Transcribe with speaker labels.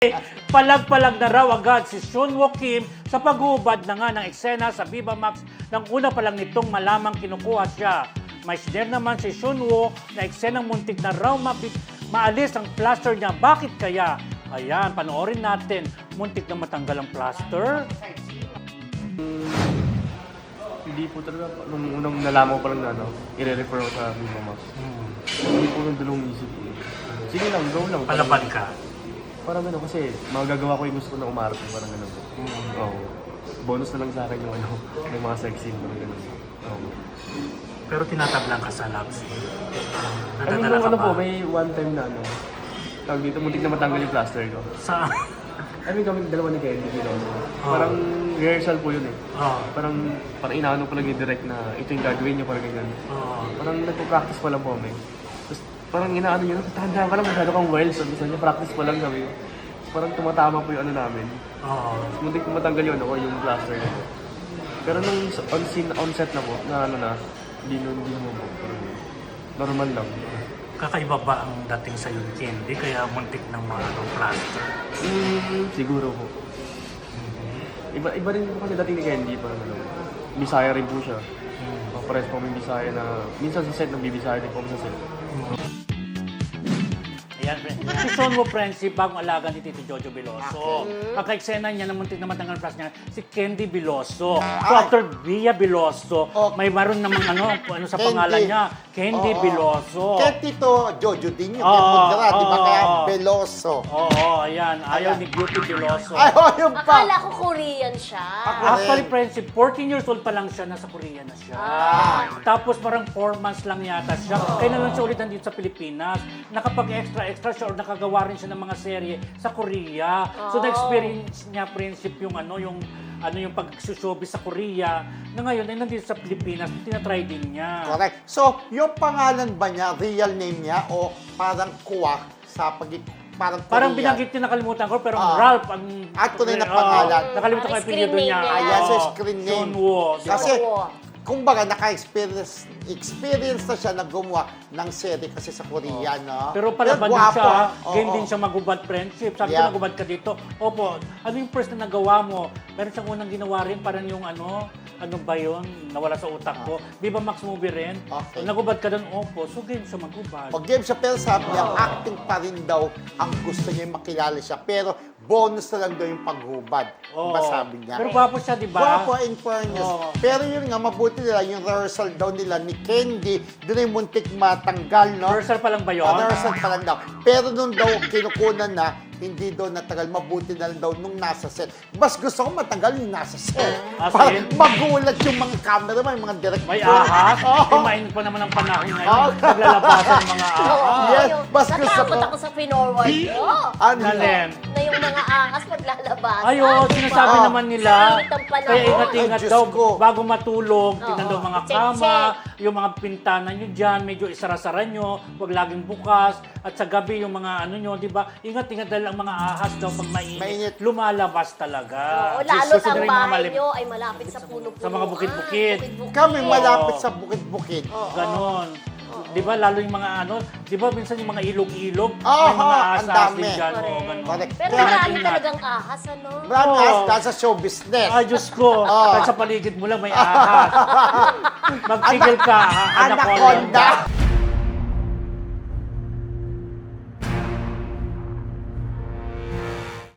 Speaker 1: Palag-palag na raw agad si Seunwoo Kim sa paghubad na nga ng eksena sa Viva Max nang una pa lang nitong malamang kinukuha siya. May share naman si Seunwoo na eksenang muntik na raw maalis ang plaster niya. Bakit kaya? Ayan, panoorin natin. Muntik na matanggal ang plaster.
Speaker 2: Hindi po talaga, nung unang nalaman ko pa lang na i-refer ako sa Viva Max. Hindi po nung dalawang isip ko. Sige lang, go lang.
Speaker 1: Palaban ka.
Speaker 2: Parang gano'n kasi magagawa ko yung gusto ko na umarte, parang gano'n. Oo. Bonus na lang sa akin yung yung mga sex scene, parang gano'n. Oo.
Speaker 1: Pero tinatablang ka sa love scene.
Speaker 2: I mean, nung po, may one time na tawag dito, muntik na matanggal yung plaster ko.
Speaker 1: Sa...
Speaker 2: I mean, kami dalawa ni Kenny, parang rehearsal po yun eh. Parang inaano pa lang yung direct na ito yung gagawin niyo, parang ganyan. Parang nagpo-practice pa lang po kami. Tapos parang inaano nyo, tanda ka lang, masyado kang wild. Sabi niya, practice pa lang kami. Parang tumatama po yung ano namin. Muntik na matanggal yun ako, yung plaster na po. Pero nung on set na po, hindi mo po. Normal lang.
Speaker 1: Kakaiba ba ang dating sa yung Candy kaya muntik ng mga plaster?
Speaker 2: Siguro po. Iba rin po kasi dating ni Candy, parang Bisaya rin po siya. Pares po may Bisaya na, minsan sa set, nagbibisaya din po sa set.
Speaker 1: Ayan, si Seunwoo Friendship, bagong alaga ni Tito Jojo Veloso. Ang ka-eksena niya na muntik na matanggal ang plus niya, si Candy Veloso. So after Via Veloso, may maroon namang ano sa pangalan niya, Candy Veloso.
Speaker 3: Kaya Tito Jojo din yung Mudra, di ba? Kaya Veloso.
Speaker 1: Oo, ayan. Ayaw ni Beauty Veloso.
Speaker 3: Ay, yung pa.
Speaker 4: Akala ko Korean siya.
Speaker 1: Actually, Friendship, 14 years old pa lang siya, nasa Korea na siya. Tapos parang 4 months lang yata siya. Kaya na lang siya ulit nandito sa Pilipinas. Nakapag-extra siya or nakagawa rin siya ng mga serye sa Korea. So na-experience niya, Friendship, yung pag-showbiz sa Korea na ngayon ay nandito sa Pilipinas, tinatry din niya.
Speaker 3: Correct. So, yung pangalan ba niya, real name niya, o parang kuwak sa parang Korean?
Speaker 1: Parang binanggit niya, nakalimutan ko, pero Ralph ang...
Speaker 3: At tunay na pangalan.
Speaker 1: Nakalimutan ko yung apelyido niya.
Speaker 3: Ayan, so screen name.
Speaker 1: Seunwoo.
Speaker 3: Kasi, kumbaga, naka-experience na siya na gumawa ng serie kasi sa Korea, no?
Speaker 1: Pero palaban din
Speaker 3: gwapo,
Speaker 1: siya,
Speaker 3: oo.
Speaker 1: game din siya magubad Friendship. Sabi ko, nagubad ka dito. Opo, ano yung first na nagawa mo? Meron siyang unang ginawa rin, parang yung ano ba yun? Nawala sa utak ko. Viva Max movie rin.
Speaker 3: Okay.
Speaker 1: Nagubad ka doon, opo. So game siya magubad.
Speaker 3: O game siya, pero sabi niya, acting pa rin daw ang gusto niya yung makilala siya. Pero bonus na lang daw yung paghubad.
Speaker 1: Oo.
Speaker 3: Diba sabi niya?
Speaker 1: Pero gwapo siya, di ba?
Speaker 3: Gwapo in fairness.
Speaker 1: Oo.
Speaker 3: Pero yun nga, mabuti nila, yung rehearsal daw nila ni Candy, doon ay muntik matanggal, no?
Speaker 1: Rehearsal pa lang ba yun?
Speaker 3: Rehearsal pa lang daw. Pero nung daw kinukunan na, hindi daw natagal, mabuti na lang daw nung nasa set. Mas gusto ko matagal yung nasa set. Para
Speaker 1: in?
Speaker 3: magulat yung mga camera, yung mga director.
Speaker 1: May ahas? Mainit pa naman ang panahon ngayon. Naglalabasan ng mga ahas.
Speaker 3: Yes, mas gusto
Speaker 4: Natakot
Speaker 3: ko.
Speaker 4: ako sa pinorward ko.
Speaker 3: Ano?
Speaker 1: Nalen.
Speaker 4: Na yung mga ahas maglalabasan.
Speaker 1: Ay, sinasabi naman nila.
Speaker 4: Ang panahon.
Speaker 1: Kaya ingat-ingat
Speaker 3: Ay, Diyos
Speaker 1: daw
Speaker 3: ko.
Speaker 1: bago matulog. Tingnan daw mga
Speaker 4: Check,
Speaker 1: kama, yung mga pintana nyo dyan, medyo isara-sara nyo, huwag laging bukas. At sa gabi yung mga ano nyo, di ba? Ingat-ingat dahil ang mga ahas daw pag mainit, lumalabas talaga.
Speaker 4: Oo, lalo
Speaker 1: Gusto
Speaker 4: ang
Speaker 1: nila yung mga
Speaker 4: bahay nyo ay malapit sa puno-puno.
Speaker 1: Sa mga bukid-bukid.
Speaker 3: Kami malapit sa bukid-bukid.
Speaker 1: Ganon. Di ba? Lalo yung mga ano, di ba minsan yung mga ilog-ilog,
Speaker 3: Oo,
Speaker 1: may mga
Speaker 3: ang
Speaker 1: ahas
Speaker 3: dami.
Speaker 1: din dyan.
Speaker 4: Correct.
Speaker 1: Oo, ganon.
Speaker 3: Correct.
Speaker 4: Pero
Speaker 3: Kaya
Speaker 4: marami
Speaker 1: ingat.
Speaker 4: talagang ahas, ano?
Speaker 3: Marami
Speaker 1: Oo.
Speaker 3: ahas sa show business.
Speaker 1: Ay, Diyos ko. Kahit sa paligid mo lang may ahas. Magtigil ka,
Speaker 3: Anaconda.